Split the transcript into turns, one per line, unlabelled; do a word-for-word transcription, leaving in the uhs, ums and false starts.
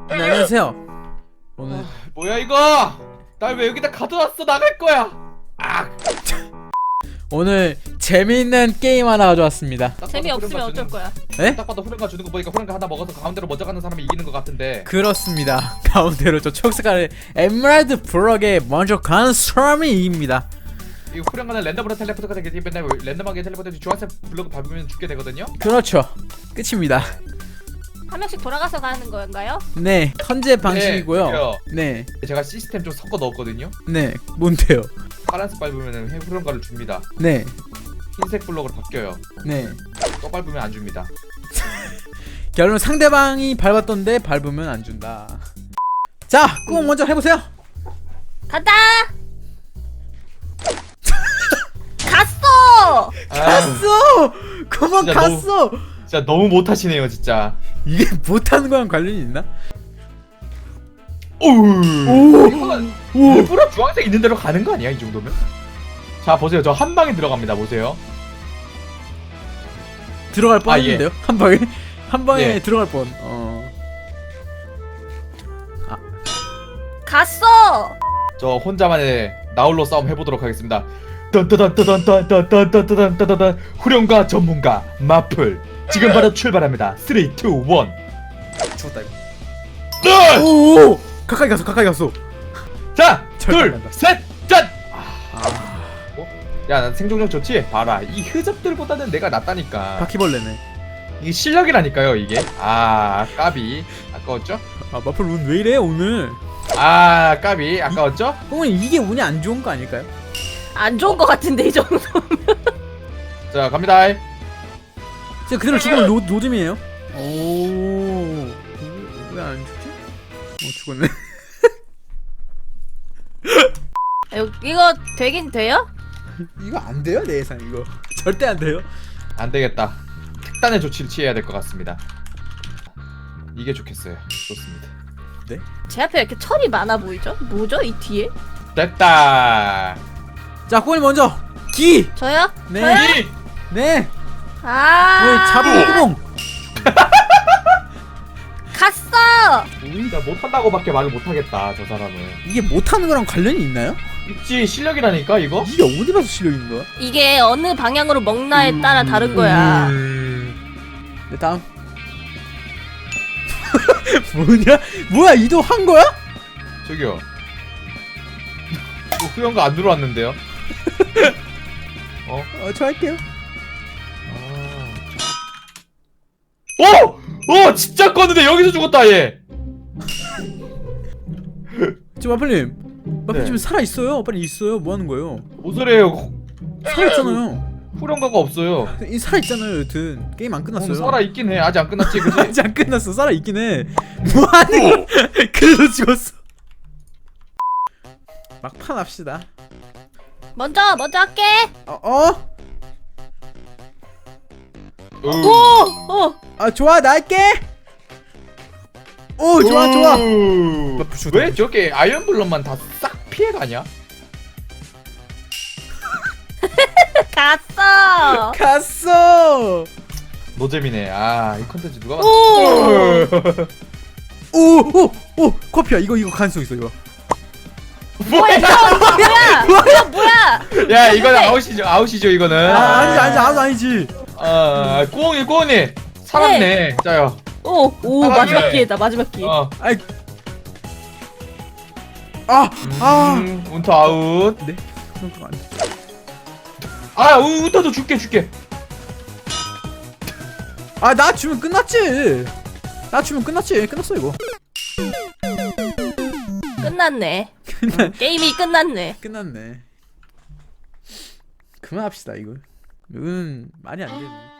네, 안녕하세요. 오늘
아, 뭐야 이거? 날 왜 여기다 가둬놨어? 나갈 거야. 아,
오늘 재미있는 게임 하나 가져왔습니다.
딱
재미없으면
봐도
어쩔
후렴가
거야?
에?
주는- 딱 봐도 후렴가 주는 거 보니까 후렴가 하나 먹어서 가운데로 먼저 가는 사람이 이기는 것 같은데.
그렇습니다. 가운데로 저 초록색깔의 에메랄드 블럭에 먼저 가는 사람이 이깁니다.
이 후렴가는 랜덤으로 텔레포트가 되기 때문에 랜덤하게 텔레포트 주황색 블록 밟으면 죽게 되거든요.
그렇죠. 끝입니다.
한 명씩 돌아가서 가는 건가요?
네, 턴제 방식이고요.
그래요.
네,
제가 시스템 좀 섞어 넣었거든요.
네, 뭔데요?
파란색 밟으면 후렴가를 줍니다.
네,
흰색 블록으로 바뀌어요.
네.
또 밟으면 안 줍니다.
결론 상대방이 밟았던데 밟으면 안 준다. 자, 꼭 먼저 해보세요.
간다! 갔어!
아,
갔어. 그만
진짜
갔어.
진짜 너무 못하시네요, 진짜.
이게 못하는 거랑 관련이 있나?
오,
오,
이거는
오.
일부러 주황색 있는 대로 가는 거 아니야, 이 정도면? 자, 보세요. 저 한 방에 들어갑니다. 보세요.
들어갈
아, 예.
뻔했는데요? 한 방에 한 방에
예.
들어갈 뻔. 어.
갔어!
저 혼자만의 나홀로 싸움 해보도록 하겠습니다. 딴따단따단따단따단따단따단 후렴가 전문가 마플 지금 바로 출발합니다. 삼, 이, 일.
죽었다 이거.
네!
오, 가까이 갔어, 가까이 갔어.
자,
절대
둘,
안 간다.
셋, 짠!
아,
야, 난 생존력 좋지? 봐라, 이 흐접들보다는 내가 낫다니까.
바퀴벌레네.
이게 실력이라니까요, 이게. 아, 까비. 아까웠죠?
아, 마플 운 왜 이래 오늘?
아, 까비. 아까웠죠?
그러면 이게 운이 안 좋은 거 아닐까요?
안 좋은 거 같은데 이 정도.
자, 갑니다.
진짜 그대로 죽으면 로, 로즘이에요. 오, 왜 안 죽지? 어, 죽었네.
이거, 이거 되긴 돼요?
이거 안 돼요, 내 예상 이거. 절대 안 돼요.
안 되겠다. 특단의 조치를 취해야 될 것 같습니다. 이게 좋겠어요. 좋습니다.
제 앞에 이렇게 철이 많아 보이죠? 뭐죠 이 뒤에?
됐다.
자, 꼬니 먼저. 기.
저요?
네.
저요?
이!
네.
아.
왜 잡은 구멍?
갔어!
우리가 못한다고밖에 말을 못하겠다. 저 사람은.
이게 못하는 거랑 관련이 있나요?
있지, 실력이라니까 이거.
이게 어디 봐서 실력 있는 거야?
이게 어느 방향으로 먹나에 따라 다른 거야.
음...
네, 다음. 뭐냐? 뭐야, 이도한 거야?
저기요. 뭐 후연가 안 들어왔는데요? 어?
어, 저 할게요.
아... 오! 오! 진짜 껐는데 여기서 죽었다 얘.
저 마플님, 마플
네.
지금 살아 있어요. 빨리 있어요. 뭐 하는 거예요?
뭔 소리예요?
살아 있잖아요.
후렴가가 없어요.
이 살아 있잖아요. 여튼 게임 안 끝났어요.
음, 살아 있긴 해. 아직 안 끝났지, 그지?
아직 안 끝났어. 살아 있긴 해. 뭐 하는? 그래도 죽었어. 막판 합시다.
먼저 먼저 할게.
어? 어?
오!
음.
어!
아, 좋아, 나 할게. 오, 좋아, 좋아.
우.
마플 죽었다.
왜 저렇게 아이언블럭만 다 싹 피해가냐?
갔어!
갔어.
노잼이네. 아, 이 컨텐츠 누가 봤...
오!
오, 오, 오, 커피야. 이거 이거 가능성 있어 이거.
뭐야 이거 뭐야? 이거 뭐야?
야, 이거는 아웃이죠. 아웃이죠, 이거는.
아, 아니지, 아니지, 아니지, 아니지.
아, 꾸엉이, 꾸엉이. 살았네. 짜요.
오! 오
아,
마지막
네.
기회다 마지막 기회.
어.
아이, 아, 아.
음, 운터 아웃.
네. 그런 거 아니지.
아, 운- 운터도 줄게, 줄게.
아, 나 주면 끝났지. 나 주면 끝났지. 끝났어 이거.
끝났네. 게임이 끝났네.
끝났네. 그만합시다 이거. 이건 말이 안 되네.